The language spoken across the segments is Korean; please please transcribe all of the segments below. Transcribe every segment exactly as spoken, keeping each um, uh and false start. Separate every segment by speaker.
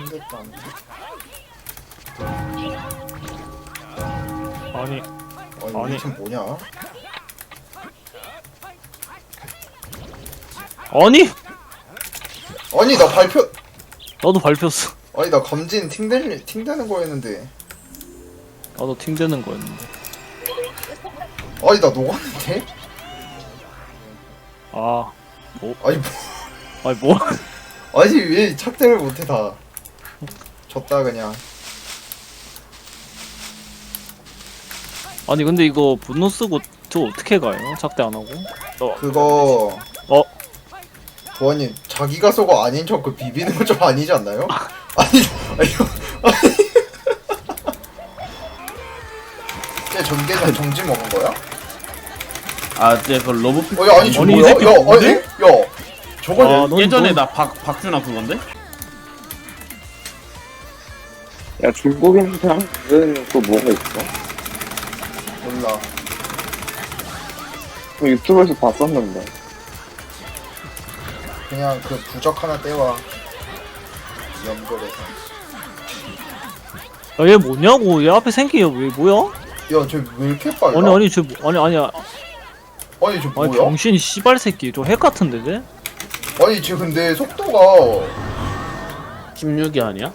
Speaker 1: 상대도 안 돼.
Speaker 2: 아니
Speaker 1: 아니,
Speaker 2: 아니.
Speaker 1: 우리 팀 뭐냐?
Speaker 2: 아니
Speaker 1: 아니 나 발표
Speaker 2: 나도 밟혔어.
Speaker 1: 아니 나 검진 팅되는 팅되는 거였는데.
Speaker 2: 나도 팅되는 거였는데.
Speaker 1: 아니 나 녹았는데?
Speaker 2: 아 뭐?
Speaker 1: 아니 뭐
Speaker 2: 아니 뭐?
Speaker 1: 아니 왜 착대를 못해 다. 졌다 그냥.
Speaker 2: 아니 근데 이거 분노 쓰고 저 어떻게 가요? 작대 안 하고? 어.
Speaker 1: 그거
Speaker 2: 어?
Speaker 1: 부원님 자기가 쏘고 아닌 척 그 비비는 거 좀 아니지 않나요? 아니 아니 아니 쟤 전개장 정지 먹은 거야?
Speaker 3: 아, 이제 그 러브 피.
Speaker 1: 어, 야, 아니, 저
Speaker 3: 아니, 이
Speaker 1: 뭐야?
Speaker 3: 새끼
Speaker 1: 야,
Speaker 3: 뭔데?
Speaker 1: 아니, 야, 저거
Speaker 2: 아,
Speaker 1: 내-
Speaker 2: 넌-
Speaker 3: 예전에
Speaker 2: 넌-
Speaker 3: 나 박 박준아 그건데?
Speaker 4: 야, 중국인 사람은 또 뭐가 있어?
Speaker 1: 몰라.
Speaker 4: 그 유튜브에서 봤었는데.
Speaker 1: 그냥 그 부적 하나 떼와. 연결해서.
Speaker 2: 야, 얘 뭐냐고? 얘 앞에 생긴 얘왜 뭐야?
Speaker 1: 야, 쟤 왜 이렇게 빨라?
Speaker 2: 아니 아니 쟤 뭐- 아니 아니야.
Speaker 1: 아니, 쟤
Speaker 2: 아니
Speaker 1: 뭐야?
Speaker 2: 병신 씨발 새끼. 저 핵 같은데 쟤?
Speaker 1: 아니, 쟤 근데 속도가
Speaker 3: 십육이 아니야?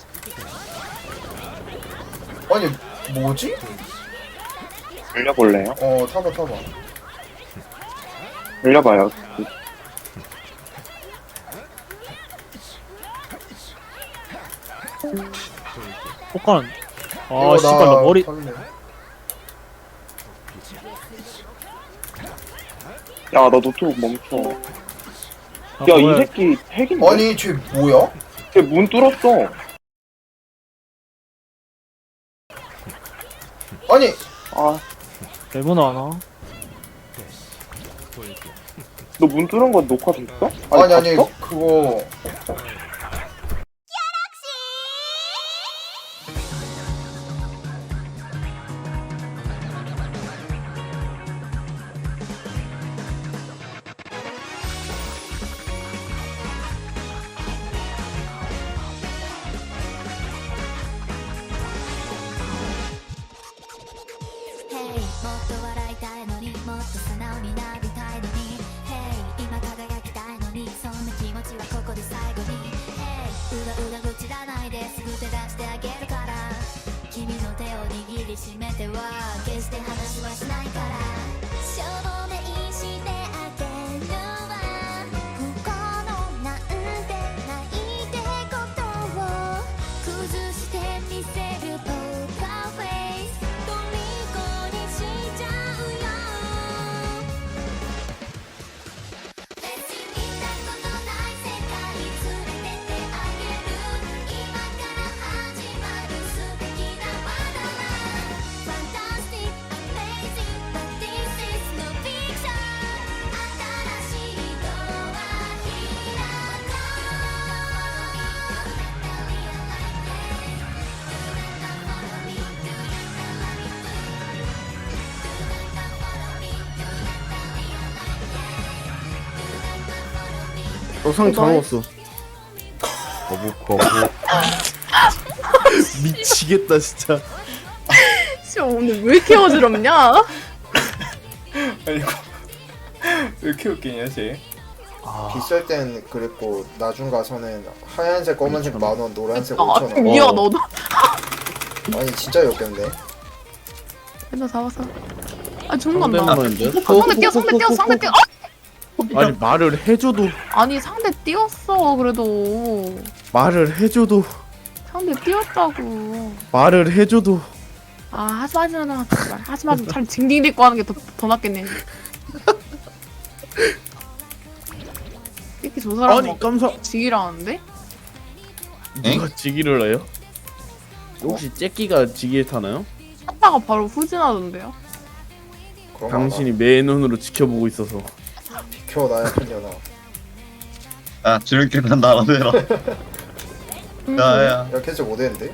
Speaker 1: 아니, 뭐지?
Speaker 4: 올려볼래요?
Speaker 1: 어, 타봐, 타봐.
Speaker 4: 올려봐요.
Speaker 2: 폭가는.
Speaker 1: 이거
Speaker 2: 아 씨발 나 머리.
Speaker 1: 탈래.
Speaker 4: 야, 너 노트북 멈춰.
Speaker 2: 아,
Speaker 4: 야, 이
Speaker 2: 뭐야.
Speaker 4: 새끼 핵인데?
Speaker 1: 아니, 쟤 뭐야?
Speaker 4: 걔 문 뚫었어.
Speaker 1: 아니,
Speaker 4: 아,
Speaker 2: 레몬 하나.
Speaker 4: 너 문 뚫은 거 녹화 됐어?
Speaker 1: 아니, 아니,
Speaker 4: 봤어?
Speaker 1: 그거.
Speaker 5: Hey もっと笑いたいのにもっと素直になりたいのに Hey 今輝きたいのにそんな気持ちはここで最後に Hey うらうら愚痴らないですぐ手出してあげるから君の手を握りしめては決して話はしないから証明してあげるわ不幸のなんてないってことを崩してみせるポーカーフェイス虜にしちゃうよ別に見たことない世界連れてってあげる今から始まる素敵なワンダーランド Fantastic, amazing, but this is no fiction 新しいドア開こう
Speaker 3: 너상 잘 먹었어. 거부 거부. 미치겠다 진짜.
Speaker 6: 씨 오늘 왜 이렇게 어지럽냐?
Speaker 1: 아니, 이거. 왜 이렇게 웃기냐, 쟤?
Speaker 2: 아
Speaker 1: 비쌀 땐 그랬고, 나중 가서는 하얀색, 검은색 만원, 노란색
Speaker 6: 아
Speaker 1: 오천 원.
Speaker 6: 미야
Speaker 3: 어.
Speaker 6: 너도
Speaker 1: 아니, 진짜 역겹네.
Speaker 6: 맨날 잡았어. 아 죽는다.
Speaker 3: 상대만인데?
Speaker 6: 상대 뛰어 상대 뛰어 상대 뛰어. 아!
Speaker 3: 아니 말을 해줘도
Speaker 6: 아니 상대 뛰었어 그래도
Speaker 3: 말을 해줘도
Speaker 6: 상대 뛰었다고.
Speaker 3: 말을 해줘도
Speaker 6: 아 하지 마지 마 제발 하지 마지 차라리 징징 딛고 하는 게 더 더 낫겠네. 이렇게 저 사람
Speaker 3: 아니
Speaker 6: 막
Speaker 3: 깜짝
Speaker 6: 지기라는데?
Speaker 3: 누가 지기를 해요? 혹시 째끼가 지기를 타나요?
Speaker 6: 하다가 바로 후진하던데요?
Speaker 1: 그런
Speaker 3: 당신이 매 눈으로 지켜보고 있어서
Speaker 1: 비켜, 나야, 편년아.
Speaker 7: 야, 저렇게 난 알아내라.
Speaker 6: 음,
Speaker 7: 나야,
Speaker 1: 야, 캐치 못했는데?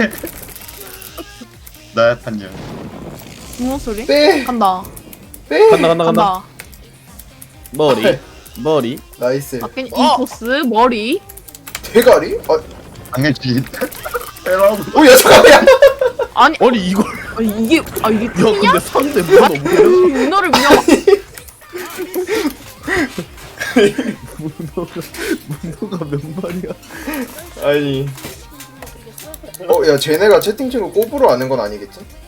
Speaker 7: 나야 탄년.
Speaker 6: 무슨 소리?
Speaker 1: 빼!
Speaker 6: 간다
Speaker 1: 빼!
Speaker 3: 간다 간다 간다.
Speaker 6: 간다.
Speaker 3: 머리 머리
Speaker 1: 나이스.
Speaker 6: 아, 괜히 이 코스 머리
Speaker 1: 대가리? 아,
Speaker 7: 당연히 빼라고.
Speaker 1: 오야 잠깐만.
Speaker 6: 아니
Speaker 3: 아니 이걸
Speaker 6: 아, 이게 아 이게
Speaker 3: 야
Speaker 6: 팀이야?
Speaker 3: 근데 상대 문어 뭐야?
Speaker 6: 문어를 그냥
Speaker 3: 문어가 문어가 몇 마리야?
Speaker 1: 아니. 어야 쟤네가 채팅창을 꼽으로 아는 건 아니겠지?